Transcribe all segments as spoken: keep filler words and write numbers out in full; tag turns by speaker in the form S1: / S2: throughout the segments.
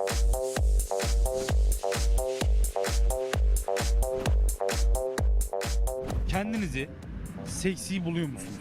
S1: Kendinizi seksi buluyor musunuz?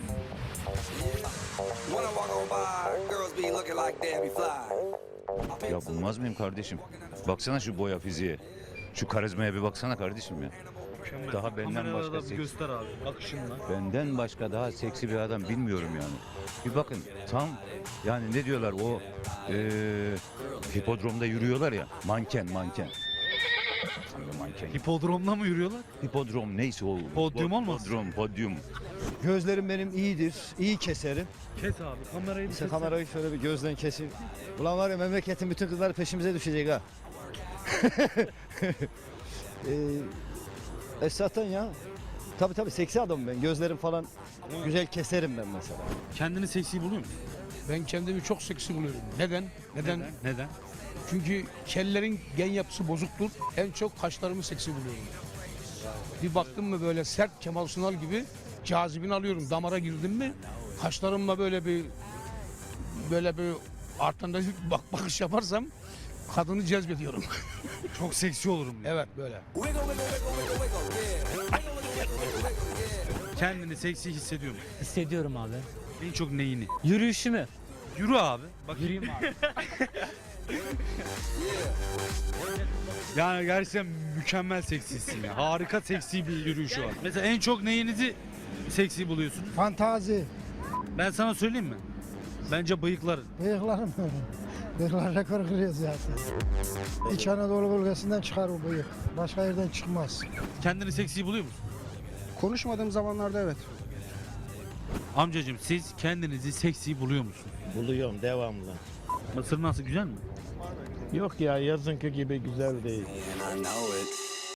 S2: Ya bulmaz mıyım kardeşim? Baksana şu boya fiziğe. Şu karizmaya bir baksana kardeşim ya.
S1: Mükemmel.
S2: Daha benden
S1: Kamerada
S2: başka
S1: da bir
S2: seks-
S1: göster abi bakışınla.
S2: Benden başka daha seksi bir adam bilmiyorum yani. Bir bakın tam yani ne diyorlar o eee hipodromda yürüyorlar ya, manken manken. Tam bir manken.
S1: Hipodromla mı yürüyorlar?
S2: Hipodrom neyse o.
S1: Podyum olmaz.
S2: Podyum, podyum.
S3: Gözlerim benim iyidir. İyi keserim.
S1: Kes abi kamerayı bir
S3: İşte
S1: kes.
S3: kamerayı şöyle bir gözden keseyim. Ulan var ya memleketin bütün kızları peşimize düşecek ha. ee, Esat'tan ya. Tabii tabii seksi adamım ben. Gözlerim falan güzel keserim ben mesela.
S1: Kendini seksi buluyor musun?
S4: Ben kendimi çok seksi buluyorum. Neden? Neden?
S1: Neden?
S4: Çünkü kellerin gen yapısı bozuktur. En çok kaşlarımı seksi buluyorum. Bir baktım mı böyle sert Kemal Sunal gibi cazibini alıyorum. Damara girdim mi kaşlarımla böyle bir böyle bir artında bak bakış yaparsam kadını cezbediyorum.
S1: Çok seksi olurum diyor.
S4: Evet böyle.
S1: Kendini seksi hissediyor musun?
S5: Hissediyorum abi.
S1: En çok neyini?
S5: Yürüyüşümü.
S1: Yürü abi. Bak
S5: Yürüyeyim abi.
S1: yani gerçekten mükemmel seksisin ya. Harika seksi bir yürüyüşü var. Mesela en çok neyinizi seksi buluyorsun?
S6: Fantazi.
S1: Ben sana söyleyeyim mi? Bence bıyıkların.
S6: Bıyıklarım. Bıyıklar rekor kırıyor zaten. İç Anadolu bölgesinden çıkar bu bıyık. Başka yerden çıkmaz.
S1: Kendini seksi buluyor musun?
S7: Konuşmadığım zamanlarda evet.
S1: Amcacığım siz kendinizi seksi buluyor musunuz?
S8: Buluyorum devamlı.
S1: Mısır nasıl güzel mi?
S8: Yok ya yazınki gibi güzel değil.
S9: And I know it.